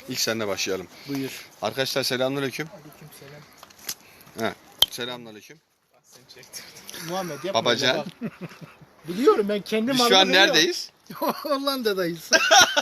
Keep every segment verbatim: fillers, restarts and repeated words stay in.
İlk seninle başlayalım. Buyur. Arkadaşlar selamünaleyküm. Aleykümselam. He. Selamünaleyküm. Muhammed yapma. Babacan. Biliyorum ben kendim Biz şu an neredeyiz? Hollanda'dayız.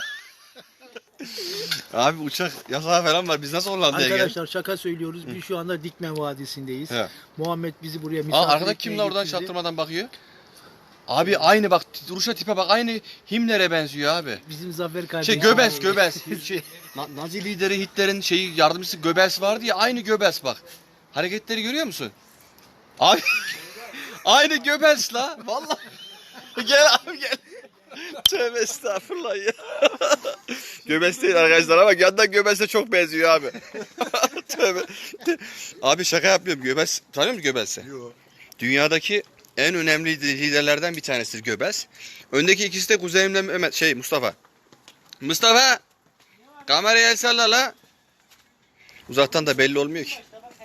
Abi uçak yasağı falan var. Biz nasıl Hollanda'ya geldik? Arkadaşlar şaka söylüyoruz. Biz şu anda Dikmen Vadisi'ndeyiz. He. Muhammed bizi buraya Aa, misafir arkada etmeye kimler oradan getirdi. çaktırmadan bakıyor? Abi aynı bak duruşa tipe bak aynı Himmler'e benziyor abi. Bizim Zafer Şey kardeşim. Göbels Göbels. şey, Na- Nazi lideri Hitler'in şeyi yardımcısı Göbels vardı ya aynı Göbels bak. Hareketleri görüyor musun? Abi aynı Göbels la. Vallahi. Gel abi gel. Tövbe estağfurullah ya. Göbels değil arkadaşlar ama yandan Göbels'e çok benziyor abi. Tövbe. Abi şaka yapmıyorum. Göbels tanıyor musun Göbels'i? Yok. Dünyadaki en önemli liderlerden bir tanesidir Göbels. Öndeki ikisi de kuzenimle Mehmet şey Mustafa. Mustafa! Kameraya el salla la. Uzaktan da belli olmuyor ki.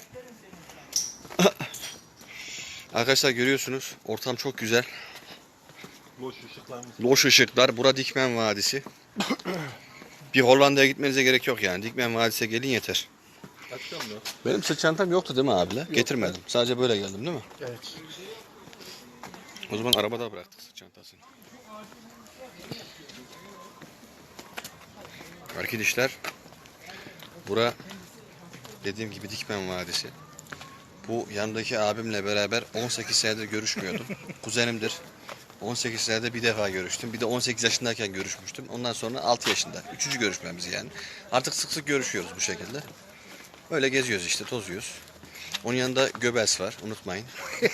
Arkadaşlar görüyorsunuz ortam çok güzel. Loş ışıklarımız. Loş ışıklar. Bura Dikmen Vadisi. Bir Hollanda'ya gitmenize gerek yok yani. Dikmen Vadisi'ne gelin yeter. Açacağım da. Benim sırt çantam yoktu değil mi abiler? Getirmedim. Sadece böyle geldim değil mi? Evet. O zaman arabada bıraktık sırt çantasını. Arkadaşlar bura dediğim gibi Dikmen Vadisi. Bu yandaki abimle beraber on sekiz senedir görüşmüyordum. Kuzenimdir. on sekiz senede bir defa görüştüm. Bir de on sekiz yaşındayken görüşmüştüm. Ondan sonra altı yaşında. Üçüncü görüşmemiz yani. Artık sık sık görüşüyoruz bu şekilde. Öyle geziyoruz işte, tozuyoruz. Onun yanında Göbels var, unutmayın.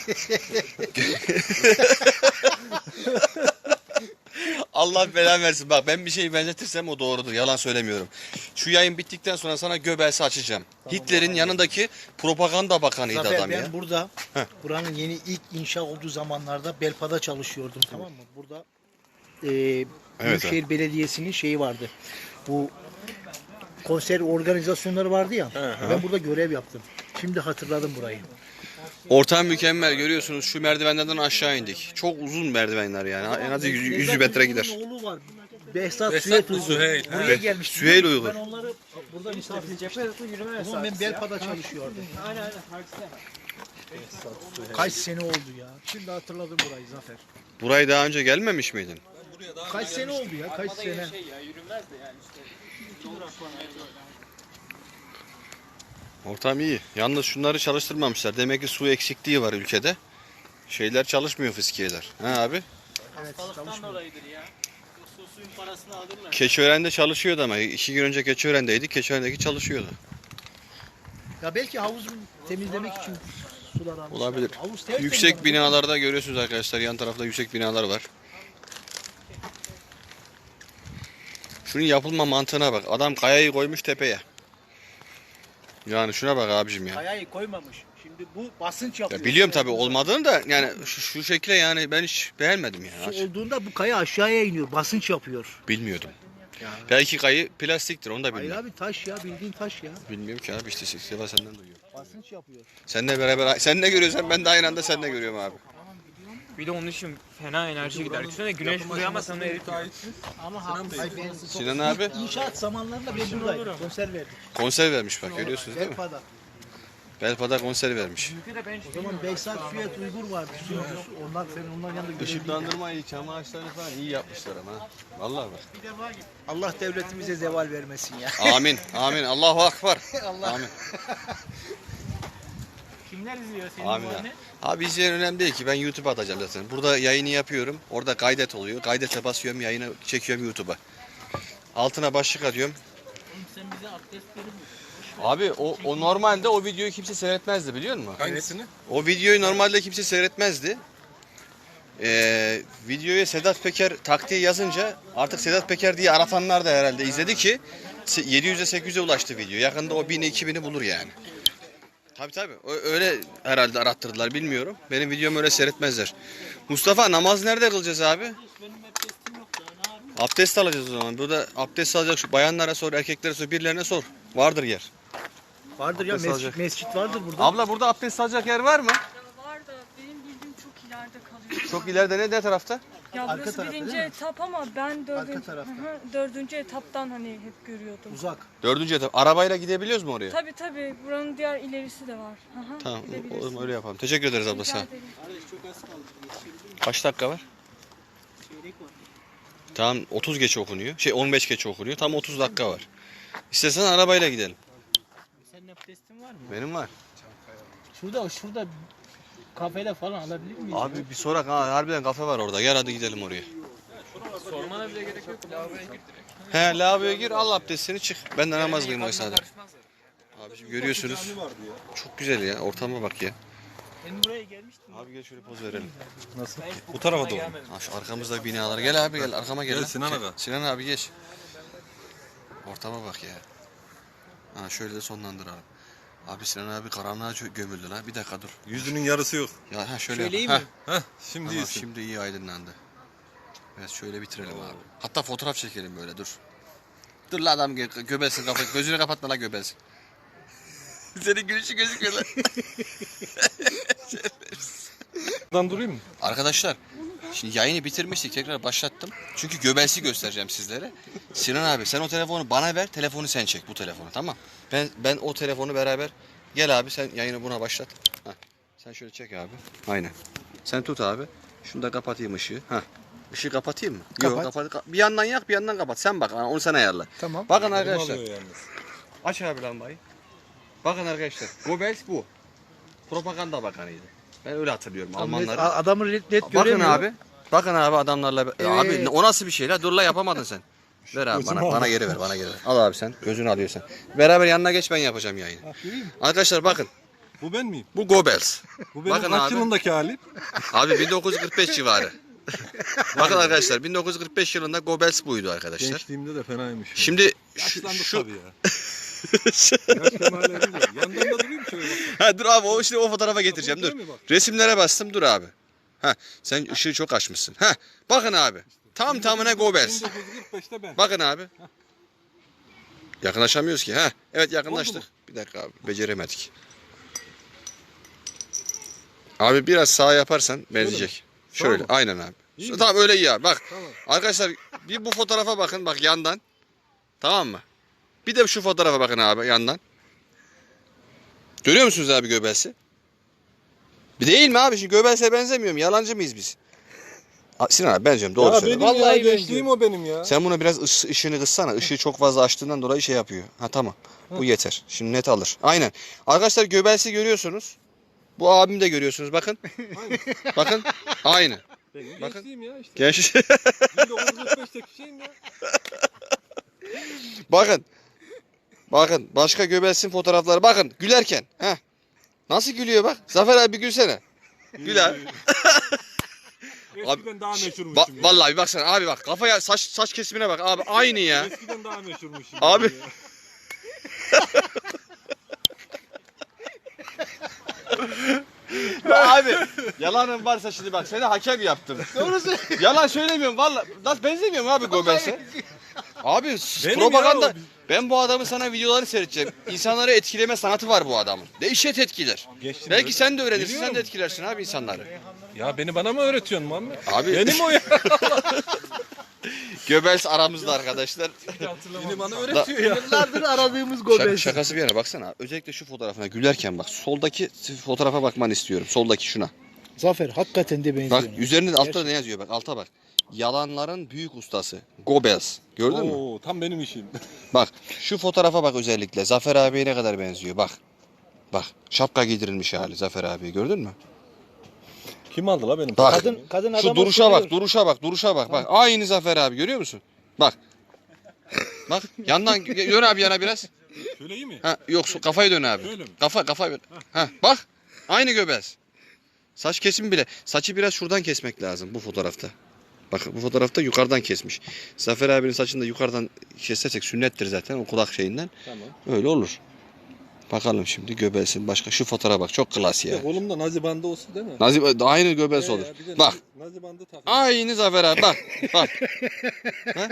Allah belanı versin. Bak ben bir şeyi benzetirsem o doğrudur. Yalan söylemiyorum. Şu yayın bittikten sonra sana Göbels'i açacağım. Hitler'in yanındaki propaganda bakanıydı Zafer adam ben ya. burada Heh. buranın yeni ilk inşa olduğu zamanlarda Belpa'da çalışıyordum, tamam mı? Burada e, Büyükşehir Belediyesi'nin şeyi vardı. Bu konser organizasyonları vardı ya. Ben burada görev yaptım. Şimdi hatırladım burayı. Ortam mükemmel görüyorsunuz. Şu merdivenlerden aşağı indik. Çok uzun merdivenler yani. En az yüz metre gider. Onun oğlu var. Behzat, Behzat Süheyl mı, Uygur. Süheyl? Buraya Be- gelmiştim. Süheyl Uygur. Ben onları burada misafir etmiştim. O zaman ben Belpa'da çalışıyordum. Aynen aynen. Kaç sene oldu ya. Şimdi hatırladım burayı Zafer. Buraya daha önce gelmemiş miydin? Kaç sene oldu ya? Kaç sene? Ortam iyi. Yalnız şunları çalıştırmamışlar. Demek ki su eksikliği var ülkede. Şeyler çalışmıyor, fıskiyeler. Ha abi? Evet, Hastalıktan dolayıdır ya. Su suyun parasını alırlar. Keçiören'de çalışıyordu ama. iki gün önce Keçiören'deydik. Keçiören'deki çalışıyordu. Ya belki havuzu temizlemek için sular almışlar. Olabilir. Havuz tertemiz Yüksek ama. binalarda görüyorsunuz arkadaşlar. Yan tarafta yüksek binalar var. Şunun yapılma mantığına bak. Adam kayayı koymuş tepeye. Yani şuna bak abicim ya. Kayayı koymamış. Şimdi bu basınç yapıyor. Ya biliyorum tabii olmadığını da yani şu, şu şekle yani ben hiç beğenmedim ya. Su olduğunda bu kaya aşağıya iniyor. Basınç yapıyor. Bilmiyordum. Belki kayı plastiktir onu da Hayır bilmiyorum. abi taş ya, bildiğin taş ya. Bilmiyorum ki abi işte Seva senden duyuyorum. Basınç yapıyor. Seninle beraber sen ne görüyorsan ben de aynı anda sen ne görüyorum abi. Bir de onun için fena enerji gider. Düşünsene güneş vuruyor ama sana eritiyor. Ama ha, hayır, ben Sinan abi İnşaat zamanlarında ben buradaydım. Konser verdik. konser vermiş bak görüyorsunuz değil mi? Belpa'da. Belpa'da konser vermiş. O zaman Behzat, Süheyl Uygur vardı. Onlar senin onların yanında görevliydi. Işıklandırmayı, çam ağaçlarını falan iyi yapmışlar ama. Vallahi bak. Allah devletimize zeval vermesin ya. Amin. Amin. Allahu akbar. Allah. Amin. Kimler izliyor senin Amin. bu abi. anne? Abi izleyen önemli değil ki ben YouTube'a atacağım zaten. Burada yayını yapıyorum. Orada kaydet oluyor. Kaydete basıyorum, yayını çekiyorum YouTube'a. Altına başlık atıyorum. Oğlum sen bize abdest verir misin? Abi o, o normalde o videoyu kimse seyretmezdi biliyor musun? Hangisini? O videoyu normalde kimse seyretmezdi. Ee, videoya Sedat Peker taktiği yazınca artık Sedat Peker diye aratanlar da herhalde izledi ki yedi yüze sekiz yüze ulaştı video. Yakında o bini iki bini bulur yani. Tabii tabii. Öyle herhalde arattırdılar bilmiyorum. Benim videomu öyle seyretmezler. Mustafa namaz nerede kılacağız abi? Benim abdestim yok ya. Ne yapayım? Abdest alacağız o zaman. Burada abdest alacak şu bayanlara sor, erkeklere sor, birilerine sor. Vardır yer. Vardır ya, Abdest mescit, alacak. mescit vardır burada. Abla burada abdest alacak yer var mı? Var da benim bildiğim çok ileride kalıyor. Çok ileride ne, ne tarafta? Ya Arka burası tarafta birinci değil mi? etap ama ben dördüncü, tarafta. Hı hı, dördüncü etaptan hani hep görüyordum. Uzak. Dördüncü etap. Arabayla gidebiliyoruz mu oraya? Tabii tabii buranın diğer ilerisi de var. Hı hı, Tamam, o gidebilirsiniz. zaman öyle yapalım. Teşekkür ederiz abla, Rica sağ ol. ederim. Kaç dakika var? Tamam, otuz geç okunuyor. Şey on beş geç okunuyor. Tam otuz dakika var. İstersen arabayla gidelim. Senin abdestin var mı? Benim var. Şurada şurada kafede falan alabilir miyiz? Abi bir sorak ha, harbiden kafe var orada. Gel hadi gidelim oraya. Sormana bile gerek yok. Lavaboya gir direkt. He, lavaboya gir, al abdestini çık. Ben de namaz kılayım o Yıkanma esnada. karışmazlar. Abi şimdi görüyorsunuz. Cami vardı ya. Çok güzel ya. Ortama bak ya. Ben buraya gelmiştim. Abi gel şöyle poz verelim. Nasıl? Ben hiç Bu tarafa doğru. gelmedim. Ha, şu arkamızda binalar. Gel abi gel arkama gel. Gel lan. Sinan Gel. aga. Sinan abi geç. Ortama bak ya. Ha şöyle de sonlandır abi. Abi Sinan abi karanlığa çö- gömüldü lan. Bir dakika dur. Yüzünün yarısı yok. Ya ha şöyle Söyleyeyim yap. mi? Ha, Heh, şimdi tamam, iyisin. şimdi iyi aydınlandı. Evet şöyle bitirelim abi. Hatta fotoğraf çekelim böyle dur. Dur la adam gö- göbelsin kafa gözünü kapatma la göbelsin. Senin gülüşü gözüküyor lan. Buradan durayım mı? Arkadaşlar şimdi yayını bitirmiştik tekrar başlattım. Çünkü göbelsi göstereceğim sizlere. Sinan abi sen o telefonu bana ver, telefonu sen çek bu telefonu, tamam. Ben ben o telefonu beraber gel abi sen yayını buna başlat. Heh. Sen şöyle çek abi. Aynen. Sen tut abi. Şunu da kapatayım ışığı. Heh. Işığı kapatayım mı? Kapat. Yok kapat. Bir yandan yak bir yandan kapat. Sen bak onu sen ayarla. Tamam. Bakın Elim arkadaşlar. alıyor yalnız. Aç abi lambayı. Bakın arkadaşlar. Goebbels bu. Propaganda bakanıydı. Ben öyle hatırlıyorum Almanları. Adamı net, net Bakın göremiyor. abi. Bakın abi adamlarla. Evet. Abi o nasıl bir şey la? Dur la yapamadın sen. Ver abi Gözümü bana, al. bana geri ver bana geri ver. Al abi sen. Gözünü alıyorsan. Beraber yanına geç ben yapacağım yayını. Arkadaşlar bakın. Bu ben miyim? Bu Goebbels. Bu benim Bakın kaç abi. yılındaki halim? Abi bin dokuz yüz kırk beş civarı. Bakın arkadaşlar bin dokuz yüz kırk beş yılında Goebbels buydu arkadaşlar. Gençliğimde de fenaymış. Şimdi şu, Yaşlandık şu tabii ya. Yaş kemale erince. Yandan da durayım şöyle bak. ha, dur abi o şimdi o fotoğrafa getireceğim dur. Değil mi bak? Resimlere bastım dur abi. Ha sen ışığı çok açmışsın. Ha bakın abi. Tam tamına Goebbels. bin dokuz yüz kırk beşte ben. Bakın abi. Yakınlaşamıyoruz ki. Ha evet yakınlaştık. Oldu Bir dakika abi beceremedik. Abi biraz sağ yaparsan benzeyecek. Sağ Şöyle mı? aynen abi. İyi Şu- mi? Tamam öyle iyi abi. Bak Tamam. arkadaşlar bir bu fotoğrafa bakın bak yandan. Tamam mı? Bir de şu fotoğrafa bakın abi yandan. Görüyor musunuz abi Goebbels'i? Bir değil mi abi? Şimdi Goebbels'e benzemiyorum. Yalancı mıyız biz? A- Sinan abi benziyorum. Doğru Ya söylüyorum. benim ya Vallahi gençliğim o benim ya. Sen bunu biraz ış- ışığını kıssana. Işığı çok fazla açtığından dolayı şey yapıyor. Ha tamam. Bu yeter. Şimdi net alır. Aynen. Arkadaşlar Goebbels'i görüyorsunuz. Bu abimi de görüyorsunuz. Bakın. Bakın. Aynı. Benim Bakın. gençliğim ya işte. Genç. bin dokuz yüz kırk beşteki şeyim ya. Bakın. Bakın. Başka Goebbels'in fotoğrafları. Bakın. Gülerken. Heh. Nasıl gülüyor bak. Zafer abi bir gülsene. Gül abi. Eskiden daha meşhurmuşum Ba- ya. vallahi baksana abi bak. Kafaya saç saç kesimine bak abi. Aynı ya. Eskiden daha meşhurmuşum. Abi. ya. Ya abi yalanın varsa şimdi bak seni hakem yaptım. Doğrusu. Yalan söylemiyorum valla. Nasıl benzemiyorum abi Goebbels'e? Abi s- Benim propaganda. ya o. Ben bu adamın sana videoları seyredeceğim. İnsanları etkileme sanatı var bu adamın. Dehşet etkiler. Geçtim Belki böyle. sen de öğrenirsin, Biliyorum. sen de etkilersin abi insanları. Ya beni bana mı öğretiyorsun Muhammed? Abi Benim o ya. Goebbels aramızda arkadaşlar. Beni bana öğretiyor ya. Yıllardır aradığımız Şaka, Goebbels. şakası bir yana baksana. Özellikle şu fotoğrafına gülerken bak. Soldaki fotoğrafa bakmanı istiyorum. Soldaki şuna. Zafer hakikaten de benziyor. Bak üzerinde de altta ne yazıyor bak alta bak. Yalanların büyük ustası. Goebbels. Gördün mü? Oo, tam benim işim. Bak şu fotoğrafa bak özellikle. Zafer abiye ne kadar benziyor bak. Bak şapka giydirilmiş hali Zafer abiye gördün mü? Kim aldı la benim? Bak. Kadın kadın Şu adama duruşa soruyor. bak, duruşa bak, duruşa bak. Bak aynı Zafer abi görüyor musun? Bak. Bak yandan dön abi yana biraz. Şöyle iyi mi? Ha yok su- kafayı dön abi. Şöyle mi? Kafa kafayı dön. Ha bak. Aynı Goebbels. Saç kesimi bile. Saçı biraz şuradan kesmek lazım bu fotoğrafta. Bak bu fotoğrafta yukarıdan kesmiş. Zafer abinin saçını da yukarıdan kesersek sünnettir zaten o kulak şeyinden. Tamam. Öyle olur. Bakalım şimdi Goebbels'in başka şu fotoğrafa bak çok klas Bir ya. de kolumda nazi bandı olsun değil mi? Nazif aynı Goebbels Ee, olur. ya, bir de Bak. Nazi, nazi bandı takıyor. Aynı Zafer abi bak. Bak. Ha?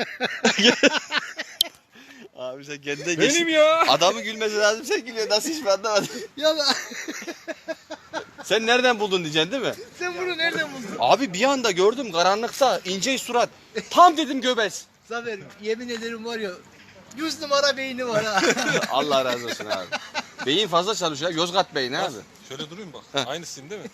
Abi sen kendine Benim ya. Adamı gülmesi lazım sen gülüyor. Nasıl hiç ben anlamadım. Ya ben- Sen nereden buldun diyeceksin değil mi? sen bunu nereden buldun? Abi bir anda gördüm karanlıkta ince surat. Tam dedim Göbels. Zafer yemin ederim var ya yüz numara beyni var ha. Allah razı olsun abi. Beyin fazla çalışıyor. Yozgat beyni abi. Şöyle durayım bak. Aynısın değil mi?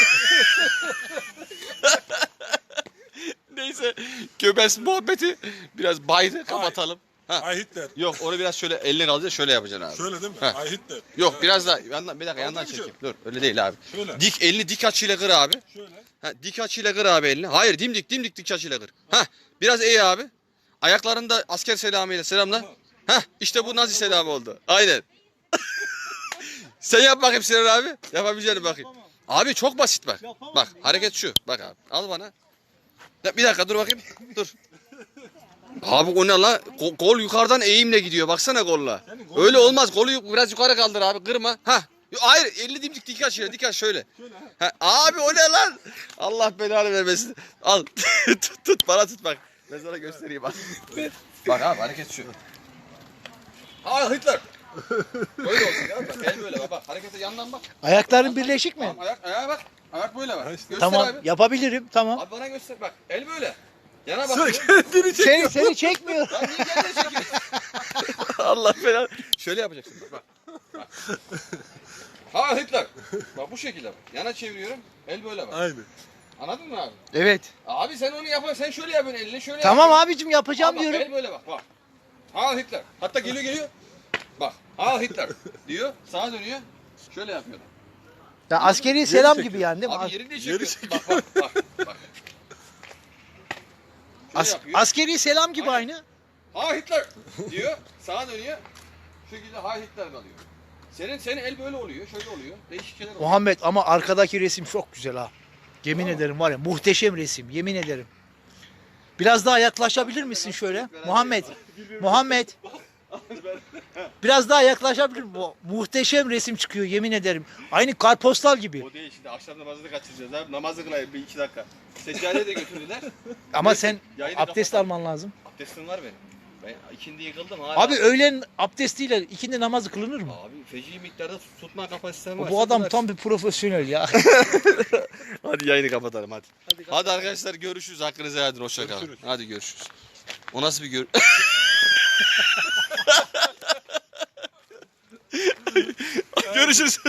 Neyse Göbels muhabbeti biraz baydı. Kapatalım. Ha. Ay Hitler. Yok onu biraz şöyle eline kalacak şöyle yapacaksın abi. Şöyle değil mi? Heh. Ay Hitler. Yok Ha, biraz daha yandan bir dakika yandan mı çekeyim. Dur öyle değil abi. Şöyle. Dik elini dik açıyla kır abi. Şöyle. Ha, dik açıyla kır abi elini. Hayır dimdik dimdik dik açıyla kır. Ha biraz eğ abi. Ayaklarını da asker selamıyla selamla. Ha işte bu Nazi selamı oldu. Aynen. Sen yap bakayım Sinan abi. Yapabileceğini bakayım. Abi çok basit bak. Yapamam Bak ya. hareket şu. Bak abi al bana. Ya, bir dakika dur bakayım. Dur. Abi o ne la? Ko- Kol yukarıdan eğimle gidiyor. Baksana kolla. Öyle olmaz. Kolu yu- biraz yukarı kaldır abi. Kırma. Ha. Hayır elli dimdik dik aç ya. Dik aç şöyle. Ha. Abi o ne lan? Allah belanı vermesin. Al. tut tut bana tut bak. Ben sana göstereyim bak. Bak abi hareket şu. Aa Hitler. Böyle olsun ya. Bak el böyle bak. Bak harekete yandan bak. Ayakların birleşik mi? Tamam ayak ayağa bak. Ayak böyle bak. Göster Tamam abi. yapabilirim tamam. Abi bana göster bak. El böyle. Yana bak. Seni seni çekmiyor. Lan niye kendini çekiyorsun? Allah belanı. Şöyle yapacaksın bak. Bak. Ha Hitler. Bak bu şekilde bak. Yana çeviriyorum. El böyle bak. Aynı. Anladın mı abi? Evet. Abi sen onu yap. Sen şöyle yapıyorsun elini şöyle Tamam yapıyorsun. abicim yapacağım Abi bak, diyorum. el böyle bak. Bak. Ha Hitler. Hatta geliyor geliyor. Bak. Ha Hitler diyor. Sağa dönüyor. Şöyle yapıyor. Ya askeri selam çekiyor. gibi yani değil mi? Abi As- yerini çekiyor. çekiyor. Bak bak bak. bak. Şöyle as- yapıyor. askeri selam gibi Aynen. aynı. Ha Hitler diyor. Sağa dönüyor. Şu şekilde ha Hitler kalıyor. Senin senin el böyle oluyor. Şöyle oluyor. Değişik şeyler oluyor. Muhammed ama arkadaki resim çok güzel ha. Yemin ederim var ya muhteşem resim yemin ederim. Biraz daha yaklaşabilir misin şöyle? Muhammed. Muhammed. Biraz daha yaklaşabilir misin? Mu- Muhteşem resim çıkıyor yemin ederim. Aynı kartpostal gibi. O değil şimdi akşam namazını kaçıracağız abi. Namazı kılayım bir iki dakika. Seccadeyi de götürdüler. Ama Neyse, sen yayını abdest kapatalım. alman lazım. Abdestim var benim. Ben ikindi yıkıldım hala. Abi öğlen abdestiyle ikindi namazı kılınır mı? Abi feci miktarda tutma kapasitem var. Bu adam Sıkıntı tam bir profesyonel ya. Hadi yayını kapatalım hadi. Hadi, arkadaşlar görüşürüz. Hakkınızı helal edin. Hoşça kalın. Görüşürüz. Hadi görüşürüz. O nasıl bir gör... görüşürüz.